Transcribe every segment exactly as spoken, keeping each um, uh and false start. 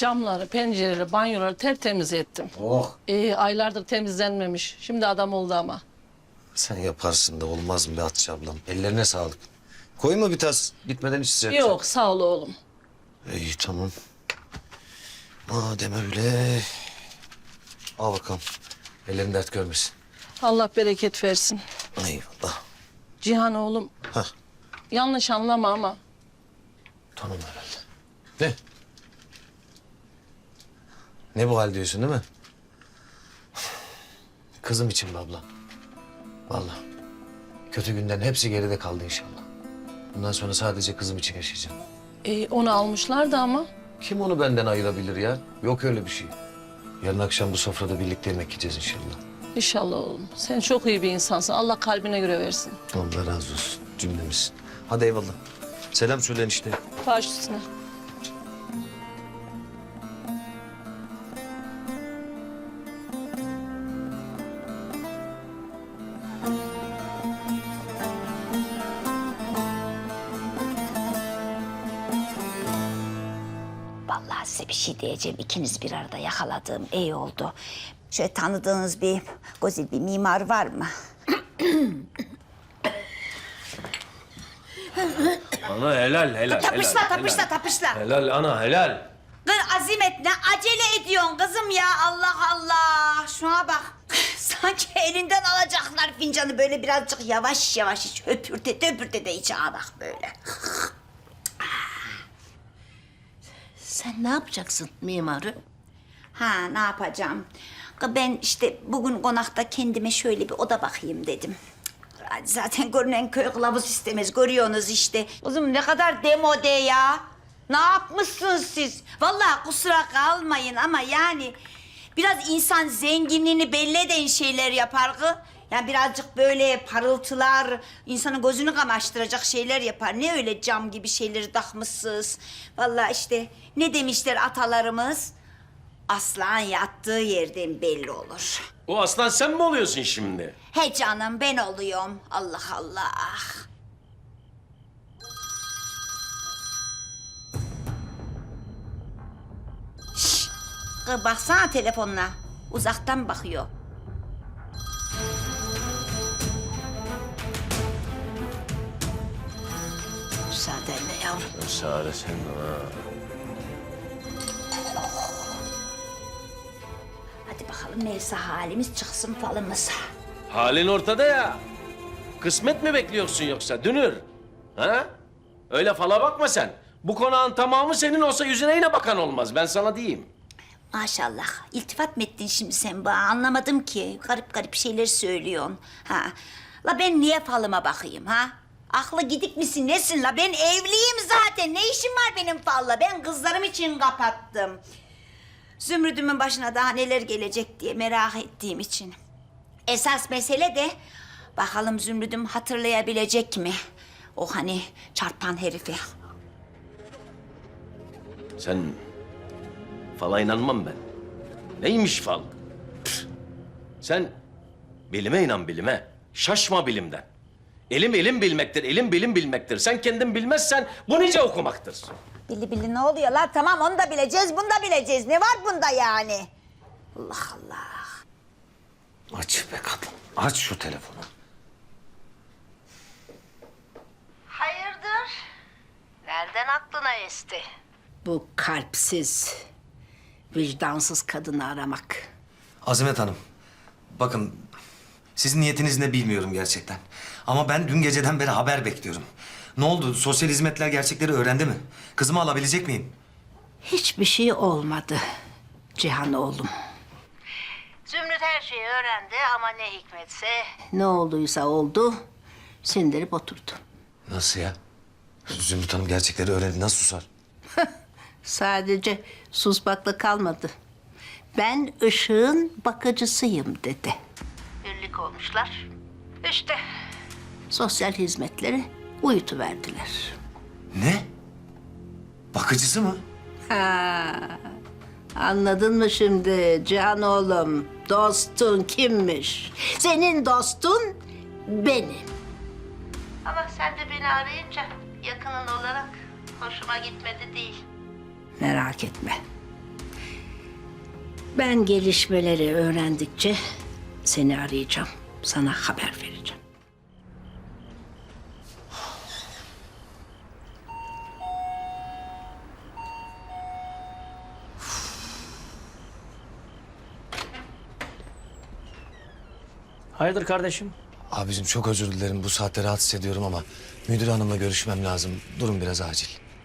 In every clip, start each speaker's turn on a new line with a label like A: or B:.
A: Camları, pencereleri, banyoları tertemiz ettim.
B: Oh.
A: Ee, aylardır temizlenmemiş. Şimdi adam oldu ama.
B: Sen yaparsın da olmaz mı be Hatice ablam? Ellerine sağlık. Koyma bir tas. Gitmeden içecek.
A: Yok sağ ol oğlum.
B: İyi tamam. Madem öyle. Al bakalım. Ellerin dert görmesin.
A: Allah bereket versin.
B: Eyvallah.
A: Cihan oğlum.
B: Hah.
A: Yanlış anlama ama.
B: Tamam herhalde. Ne? Ne bu hal diyorsun değil mi? Kızım için be abla. Vallahi. Kötü günlerin hepsi geride kaldı inşallah. Bundan sonra sadece kızım için yaşayacağım.
A: Ee, onu almışlardı ama.
B: Kim onu benden ayırabilir ya? Yok öyle bir şey. Yarın akşam bu sofrada birlikte yemek yiyeceğiz inşallah.
A: İnşallah oğlum. Sen çok iyi bir insansın. Allah kalbine göre versin.
B: Allah razı olsun cümlemiz. Hadi eyvallah. Selam söyleyin işte.
A: Baş üstüne.
C: Vallahi size bir şey diyeceğim. İkiniz bir arada yakaladığım iyi oldu. Şöyle tanıdığınız bir güzel bir mimar var mı?
D: Ana helal helal.
C: Tapışla,
D: helal,
C: tapışla,
D: helal.
C: tapışla.
D: Helal ana helal.
C: Kız Azimet ne acele ediyorsun kızım ya Allah Allah. Şuna bak. Sanki elinden alacaklar fincanı böyle birazcık yavaş yavaş iç. Höpürte höpürte de iç ha bak böyle.
E: Sen ne yapacaksın mimarı?
C: Ha ne yapacağım? Ben işte bugün konakta kendime şöyle bir oda bakayım dedim. Zaten görünen köy kılavuz istemez. Görüyorsunuz işte. Kızım ne kadar demode ya. Ne yapmışsınız siz? Vallahi kusura kalmayın ama yani... biraz insan zenginliğini belli eden şeyler yapar ki. Yani birazcık böyle parıltılar, insanın gözünü kamaştıracak şeyler yapar. Ne öyle cam gibi şeyleri takmışsınız. Vallahi işte ne demişler atalarımız? Aslan yattığı yerden belli olur.
D: O aslan sen mi oluyorsun şimdi?
C: He canım ben oluyorum. Allah Allah. Şşş. Kız baksana telefonuna. Uzaktan bakıyor.
E: Müsaadenle yavrum.
D: Müsaade sen ha.
C: Hadi bakalım neyse halimiz çıksın falımız.
D: Halin ortada ya. Kısmet mi bekliyorsun yoksa dünür? Ha? Öyle fala bakma sen. Bu konağın tamamı senin olsa yüzüne yine bakan olmaz. Ben sana diyeyim.
C: Maşallah. İltifat mı ettin şimdi sen bana? Anlamadım ki. Garip garip şeyler söylüyorsun. Ha. La ben niye falıma bakayım ha? Aklı gidik misin nesin la? Ben evliyim zaten. Ne işim var benim falla? Ben kızlarım için kapattım. Zümrüdümün başına daha neler gelecek diye merak ettiğim için. Esas mesele de bakalım Zümrüdüm hatırlayabilecek mi? O hani çarpan herifi.
D: Sen fala inanmam ben. Neymiş fal? Püh. Sen bilime inan bilime. Şaşma bilimden. Elim elim bilmektir, elim bilim bilmektir. Sen kendin bilmezsen bu nice okumaktır.
C: Bili bili ne oluyor lan? Tamam onu da bileceğiz, bunu da bileceğiz. Ne var bunda yani? Allah Allah.
B: Aç be kadın. Aç şu telefonu.
E: Hayırdır? Nereden aklına esti? Bu kalpsiz, vicdansız kadını aramak.
B: Azimet Hanım. Bakın sizin niyetiniz ne bilmiyorum gerçekten. Ama ben dün geceden beri haber bekliyorum. Ne oldu? Sosyal hizmetler gerçekleri öğrendi mi? Kızımı alabilecek miyim?
E: Hiçbir şey olmadı Cihan oğlum. Zümrüt her şeyi öğrendi ama ne hikmetse... Ne olduysa oldu, sindirip oturdu.
B: Nasıl ya? Zümrüt Hanım gerçekleri öğrendi. Nasıl susar?
E: Sadece susmakla kalmadı. Ben ışığın bakıcısıyım dedi. Birlik olmuşlar. İşte sosyal hizmetleri uyutuverdiler.
B: Ne? Bakıcısı mı?
E: Ha, anladın mı şimdi Cihan oğlum? Dostun kimmiş? Senin dostun benim. Ama sen de beni arayınca yakının olarak hoşuma gitmedi değil. Merak etme. Ben gelişmeleri öğrendikçe seni arayacağım. Sana haber vereceğim.
F: Hayırdır kardeşim?
B: Abicim çok özür dilerim bu saatte rahatsız ediyorum ama müdür hanımla görüşmem lazım. Durum biraz acil.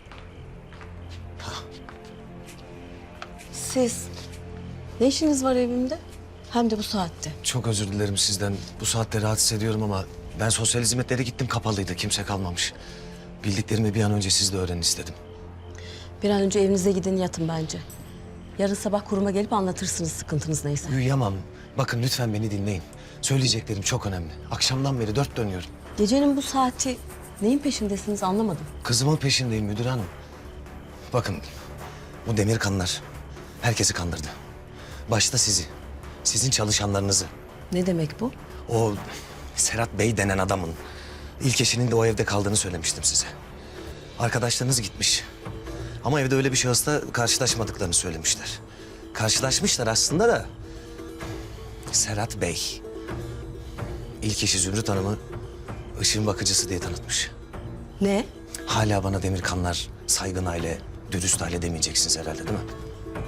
G: Siz ne işiniz var evimde? Hem de bu saatte.
B: Çok özür dilerim sizden. Bu saatte rahatsız ediyorum ama ben sosyal hizmetlere gittim, kapalıydı. Kimse kalmamış. Bildiklerimi bir an önce siz de öğrenin istedim.
G: Bir an önce evinize gidin yatın bence. Yarın sabah kuruma gelip anlatırsınız sıkıntınız neyse.
B: Uyuyamam. Bakın lütfen beni dinleyin. Söyleyeceklerim çok önemli. Akşamdan beri dört dönüyorum.
G: Gecenin bu saati neyin peşindesiniz anlamadım.
B: Kızımın peşindeyim müdür hanım. Bakın bu demir kanlar herkesi kandırdı. Başta sizi, sizin çalışanlarınızı.
G: Ne demek bu?
B: O Serhat Bey denen adamın ilk eşinin de o evde kaldığını söylemiştim size. Arkadaşlarınız gitmiş. Ama evde öyle bir şahısla karşılaşmadıklarını söylemişler. Karşılaşmışlar aslında da Serhat Bey ilk eşi Zümrüt Hanım'ı ışığın bakıcısı diye tanıtmış.
G: Ne?
B: Hala bana Demirkanlar saygın aile, dürüst aile demeyeceksiniz herhalde değil mi?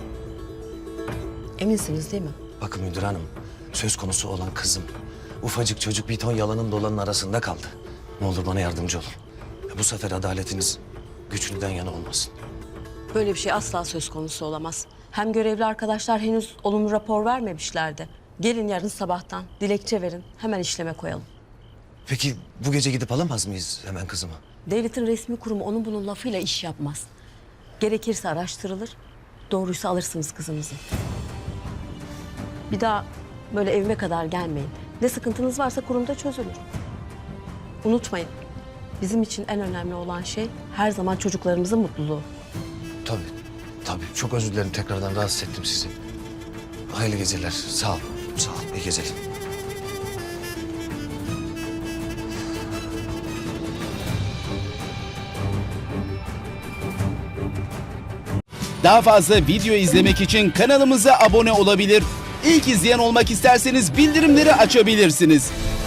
G: Eminsiniz değil mi?
B: Bakın müdür hanım, söz konusu olan kızım. Ufacık çocuk bir ton yalanın dolanın arasında kaldı. Ne olur bana yardımcı olun. Bu sefer adaletiniz güçlüden yana olmasın.
G: Böyle bir şey asla söz konusu olamaz. Hem görevli arkadaşlar henüz olumlu rapor vermemişlerdi. Gelin yarın sabahtan dilekçe verin. Hemen işleme koyalım.
B: Peki bu gece gidip alamaz mıyız hemen kızımı?
G: Devletin resmi kurumu onun bunun lafıyla iş yapmaz. Gerekirse araştırılır. Doğruysa alırsınız kızınızı. Bir daha böyle evime kadar gelmeyin. Ne sıkıntınız varsa kurumda çözülür. Unutmayın. Bizim için en önemli olan şey her zaman çocuklarımızın mutluluğu.
B: Tabii, tabii. Çok özür dilerim tekrardan rahatsız ettim sizi. Hayırlı geceler. Sağ ol, sağ ol. İyi geceler.
H: Daha fazla video izlemek için kanalımıza abone olabilir. İlk izleyen olmak isterseniz bildirimleri açabilirsiniz.